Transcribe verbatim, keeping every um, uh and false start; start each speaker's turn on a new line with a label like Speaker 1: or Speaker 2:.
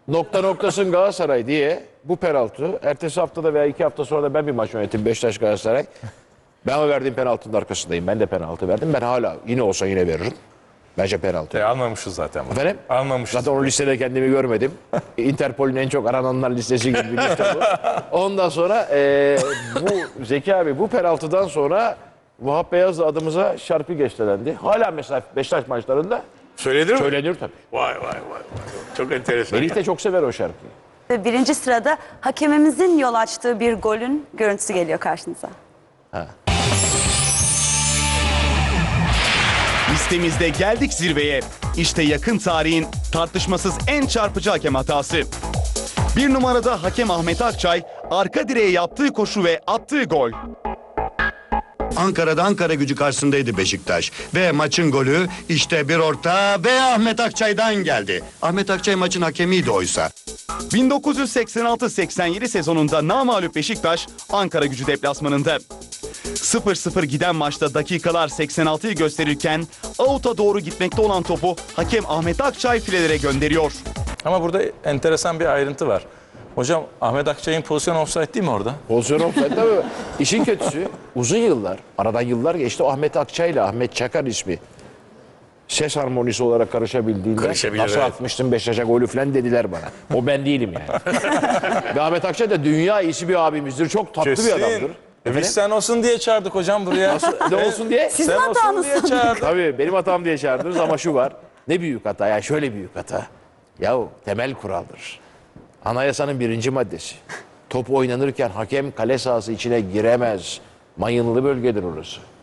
Speaker 1: nokta noktasın Galatasaray diye bu penaltı. Ertesi haftada veya iki hafta sonra da ben bir maç yönettim Beşiktaş Galatasaray. Ben o verdiğim penaltının arkasındayım. Ben de penaltı verdim. Ben hala yine olsa yine veririm. Bence penaltı.
Speaker 2: E, almamışız zaten. Bunu.
Speaker 1: Efendim?
Speaker 2: Almamışız.
Speaker 1: Zaten o listede kendimi görmedim. Interpol'ün en çok arananlar listesi gibi bir liste bu. Ondan sonra e, bu Zeki abi bu penaltıdan sonra Vahap Beyaz'la adımıza şarkı geçtelendi. Hala mesela Beşiktaş maçlarında
Speaker 2: Söylenir mi?
Speaker 1: söylenir tabii.
Speaker 2: Vay vay vay. vay. Çok enteresan.
Speaker 1: Melih de çok sever o şarkıyı.
Speaker 3: Ve birinci sırada hakemimizin yol açtığı bir golün görüntüsü geliyor karşınıza.
Speaker 4: Listemizde geldik zirveye. İşte yakın tarihin tartışmasız en çarpıcı hakem hatası. Bir numarada hakem Ahmet Akçay arka direğe yaptığı koşu ve attığı gol.
Speaker 5: Ankara'da Ankara Gücü karşısındaydı Beşiktaş. Ve maçın golü işte bir orta ve Ahmet Akçay'dan geldi. Ahmet Akçay maçın hakemiydi oysa.
Speaker 4: bin dokuz yüz seksen altı seksen yedi sezonunda namağlup Beşiktaş Ankara Gücü deplasmanında. sıfır sıfır giden maçta dakikalar seksen altıyı gösterirken out'a doğru gitmekte olan topu hakem Ahmet Akçay filelere gönderiyor.
Speaker 2: Ama burada enteresan bir ayrıntı var. Hocam Ahmet Akçay'ın pozisyonu offside değil mi orada?
Speaker 1: Pozisyon offside tabii. İşin kötüsü uzun yıllar, aradan yıllar geçti. Ahmet Akçay ile Ahmet Çakar ismi ses harmonisi olarak karışabildiğinde
Speaker 2: Karışabilir,
Speaker 1: nasıl
Speaker 2: evet.
Speaker 1: atmıştın Beşiktaş'a golü falan dediler bana. O ben değilim yani. Ve Ahmet Akçay da dünya iyisi bir abimizdir. Çok tatlı bir adamdır.
Speaker 2: E biz sen olsun diye çağırdık hocam buraya.
Speaker 1: Nasıl, ne olsun diye?
Speaker 3: Sizin
Speaker 2: Sen olsun
Speaker 3: hatanız
Speaker 2: diye
Speaker 3: sandık.
Speaker 2: çağırdık.
Speaker 1: Tabii benim hatam diye çağırdınız ama şu var. Ne büyük hata ya, şöyle büyük hata. Yahu temel kuraldır. Anayasanın birinci maddesi. Top oynanırken hakem kale sahası içine giremez. Mayınlı bölgedir orası.